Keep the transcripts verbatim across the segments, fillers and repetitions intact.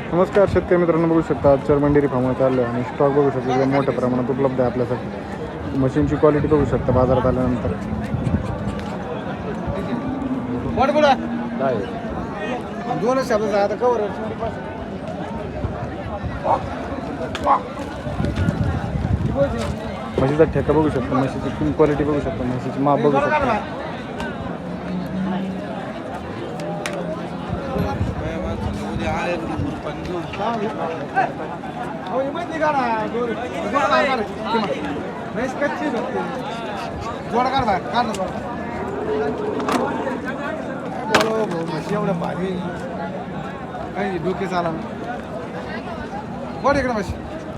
नमस्कार शेतकरी मित्रांनो, बघू शकता आज चर्मन डेअरी फार्मवर आलो आणि स्टॉक बघू शकता एकदम मोठ्या प्रमाणात उपलब्ध आहे आपल्यासाठी. मशीनची क्वालिटी बघू शकता बाजारात आल्यानंतर. दोन शब्द आता कवर म्हशीचा ठेका बघू शकता, म्हशीची क्वालिटी बघू शकता, म्हशीची माप बघू शकता. जोड काढ बाहेर काढ बोलो म्हशी एवढं भारी काही डोके चाला बोल इकडे म्हशी.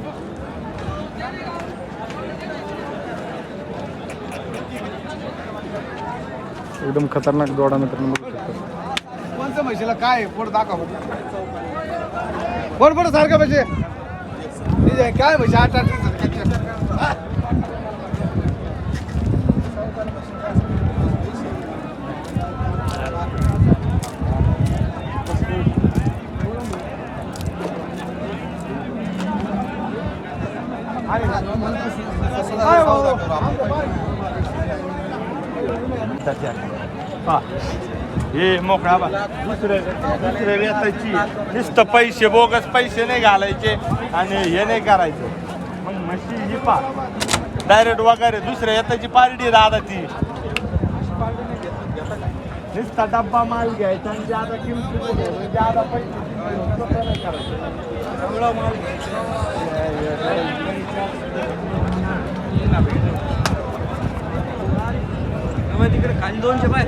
एकदम खतरनाक जोडा मित्रांनो बघू शकता. कोणत्या म्हशीला काय पोट दाखव बोल बोल सारखं म्हणजे काय म्हशी आठ आठ हे मोकळा बा दुसरे दुसरे वेचायची नुसतं पैसे बोगस पैसे नाही घालायचे आणि हे नाही करायचं. मग म्हशी ही पा डायरेक्ट वगैरे दुसऱ्या येताची पार्टी दादा ती नुसता डब्बा माल घ्यायचा आणि ज्यादा किंमत ज्यादा पैसे सगळं माल तिकडे खाली दोनशे पाय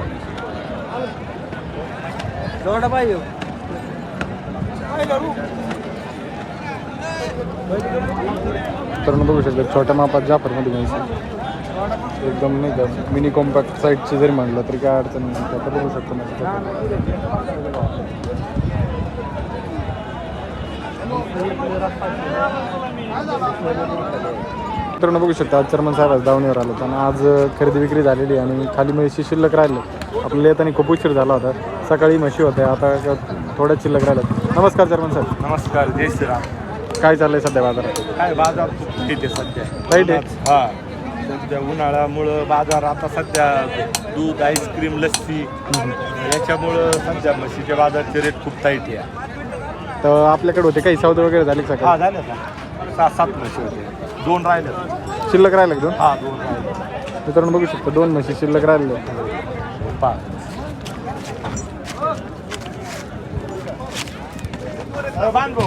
जोडा पाहिजे तर बघू शकता छोट्या मापात जाफरमध्ये म्हैस एकदम नाही का मिनी कॉम्पॅक्ट साईजची जरी म्हणलं तरी काय अडचण नाही. आता बघू शकतो मित्रांनो बघू शकता आज चर्मन साहेब आज दावणीवर आलो आणि आज खरेदी विक्री झालेली आणि खाली म्हशी शिल्लक राहिले. आपल्याला येताना खूप उशीर झाला होता. सकाळी म्हशी होत्या, आता थोड्याच शिल्लक राहिल्यात. नमस्कार चर्मन साहेब. नमस्कार, जय श्रीराम. काय चाललंय सध्या बाजारात? काय बाजार किती सध्या राईट आहे. हा सध्या उन्हाळ्यामुळं बाजार आता सध्या दूध आईस्क्रीम लस्सी याच्यामुळं सध्या म्हशीच्या बाजारचे रेट खूप टाईट आहे. तर आपल्याकडे होते काही सौदे वगैरे झाले का? हा झाले का सहा सात म्हशी होते, दोन राहिले शिल्लक राहिले का दोन? हा दोन राहिले. मित्रांनो बघू शकता दोन म्हशी शिल्लक राहिले. पा बांधो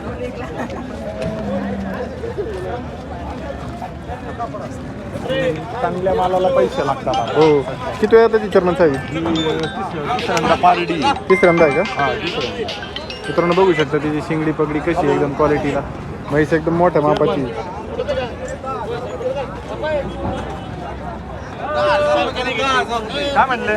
चांगल्या मालाला पैसे लागतात. हो, किती वेळा त्याची चर्मन साहेब? तिसऱ्यांदा पारडी. तिसऱ्यांदा आहे का? हा तिसऱ्यांदा. मित्रांनो बघू शकता तिची शिंगडी पगडी कशी आहे एकदम क्वालिटीला. म्हैस एकदम मोठ्या मापाची. काय म्हणले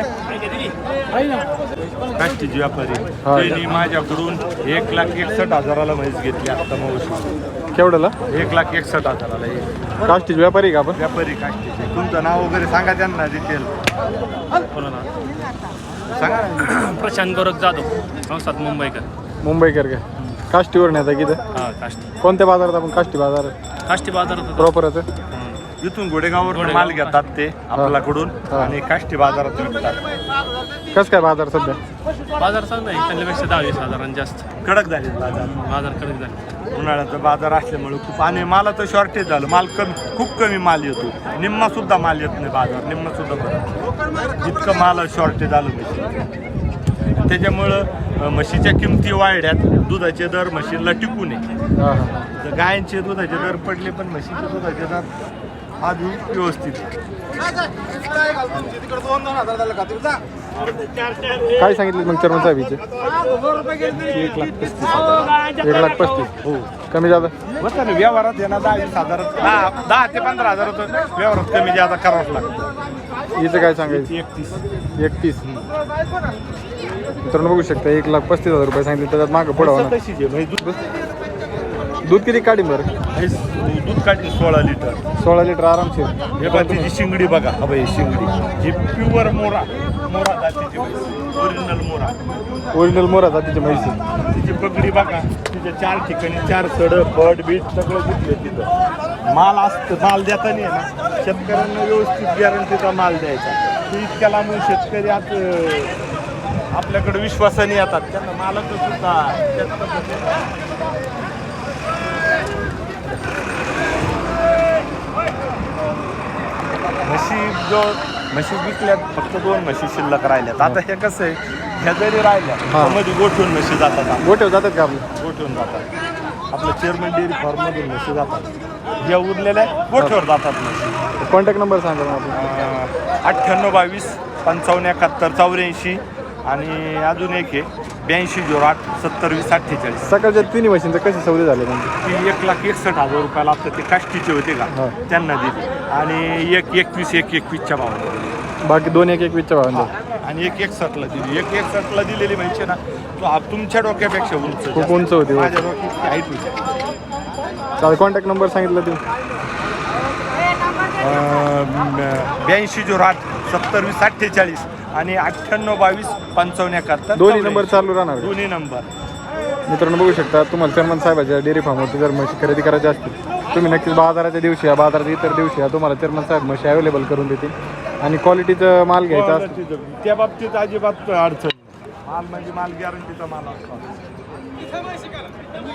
काष्टीची व्यापारी त्यांनी माझ्याकडून एक लाख एकसष्ट हजाराला म्हैस घेतली आता मग. केवढ्याला? एक लाख एकसष्ट हजाराला एक काष्टीची व्यापारी का आपण? व्यापारी काष्टीचे. तुमचं नाव वगैरे सांगा त्यांना डिटेल सांगा. प्रशांत गोरख जाधव, संस्थात मुंबईकर. मुंबईकर का? काष्टीवर नेता किती? हा काष्टी कोणत्या बाजारात आपण? काष्टी बाजार काष्टी बाजारात प्रॉपरच. इथून घोडेगाववर माल घेतात ते आपल्याकडून आणि काष्टी बाजारात विकतात. कसं काय बाजार सध्या? बाजार चांगला आहे, त्यांच्यापेक्षा दहा वीस हजारांनी जास्त कडक झाले बाजार. बाजार कडक झाले. उन्हाळ्याचा बाजार असल्यामुळे खूप आणि मालाचं शॉर्टेज झालं. माल कमी खूप कमी माल येतो. निम्मा सुद्धा माल येत नाही बाजार, निम्मा सुद्धा बरं इतकं माल शॉर्टेज आलं म्हशी. त्याच्यामुळं म्हशीच्या किमती वाढल्यात. दुधाचे दर म्हशीला टिकू नये. हां हां. गायांचे दुधाचे दर पडले पण म्हशीचे दुधाचे दर आधी व्यवस्थित. काय सांगितलं मग चर्मन साहेबचे? एक लाख पस्तीस हजार. एक लाख पस्तीस. हो, कमी जादा बरं ना व्यवहारात येणार दहा वीस हजारात दहा दहा ते पंधरा हजार व्यवहारात कमी जादा करावंच लागतं. हिचं काय सांगायचं? एकतीस एकतीस. मित्रांनो बघू शकता एक लाख पस्तीस हजार रुपये सांगितले. त्याच्यात मागं पुढं होणार. तशीच आहे म्हणजे दूध दूध किती काढी बरं? म्हैस दूध काढली सोळा लिटर. सोळा लिटर आरामशीर. हे बघा तिची शिंगडी बघा. हा बाई शिंगडी ही प्युअर मोरा मोरा जातीची म्हैस. ओरिजिनल मोरा. ओरिजिनल मोरा जातीची म्हैस आहे. तिची पगडी बघा, तिच्या चार ठिकाणी चार सड बट बीट सगळं दिसले तिथं. माल असतं, माल देताना आहे ना शेतकऱ्यांना व्यवस्थित गॅरंटीचा माल द्यायचा. की इतक्या लांबून शेतकरी आज अं, आपल्याकडे विश्वासाने येतात, त्यांना मालाचं सुद्धा त्याच पद्धतीने म्हशी जो म्हशी विकल्यात फक्त दोन म्हशी शिल्लक राहिल्यात. आता हे कसं आहे, ह्या जरी राहिल्या हा. मध्ये गोठवून म्हशी जातात, आपल्या. गोठ्यावर जातात का आपले? गोठवून जातात. आपलं चेअरमन डेअरी फार्ममधून म्हशी जातात. ज्या उरलेल्या गोठ्यावर जातात म्हशी. कॉन्टॅक्ट नंबर सांगा मग आपला. अठ्ठ्याण्णव बावीस पंचावन्न एकाहत्तर चौऱ्याऐंशी आणि अजून एक आहे ब्याऐंशी झिरो आठ सत्तर वीस अठ्ठेचाळीस. सकाळच्या तिन्ही म्हशींचे कसे सौदे झाले म्हणजे? ती एक लाख एकसष्ट हजार रुपयाला असतं, ते काष्टीचे होते का हा. त्यांना दिली. आणि एक एकवीस एक एकवीसच्या भावाने दिली. बाकी दोन एक एक वीसच्या भावांचा. आणि एक एकसष्टला दिली. एक एकसष्टला दिलेली म्हणजे ना तो आप- तुमच्या डोक्यापेक्षा उंच खूप उंच होती. माझ्या डोक्याची हाईट होती. चालेल, कॉन्टॅक्ट नंबर सांगितलं तुम्ही. ब्याऐंशी झिरो आठ सत्तर वीस अठ्ठेचाळीस आणि अठ्ठ्याण्णव बावीस पंचावन्न एकाहत्तर दोन्ही नंबर चालू राहणार का? दोन्ही नंबर. मित्रांनो बघू शकता, तुम्हाला चर्मन साहेबाच्या डेअरी फार्मवरती जर म्हशी खरेदी करायची असतील तुम्ही नक्कीच बाजाराच्या दिवशी या, बाजारात इतर दिवशी या, तुम्हाला चर्मन साहेब म्हशी अवेलेबल करून देतील. आणि क्वालिटीचं माल घ्यायचा असतो त्या बाबतीत अजिबात अडचण नाही. माल म्हणजे माल गॅरंटीचा माल असतो.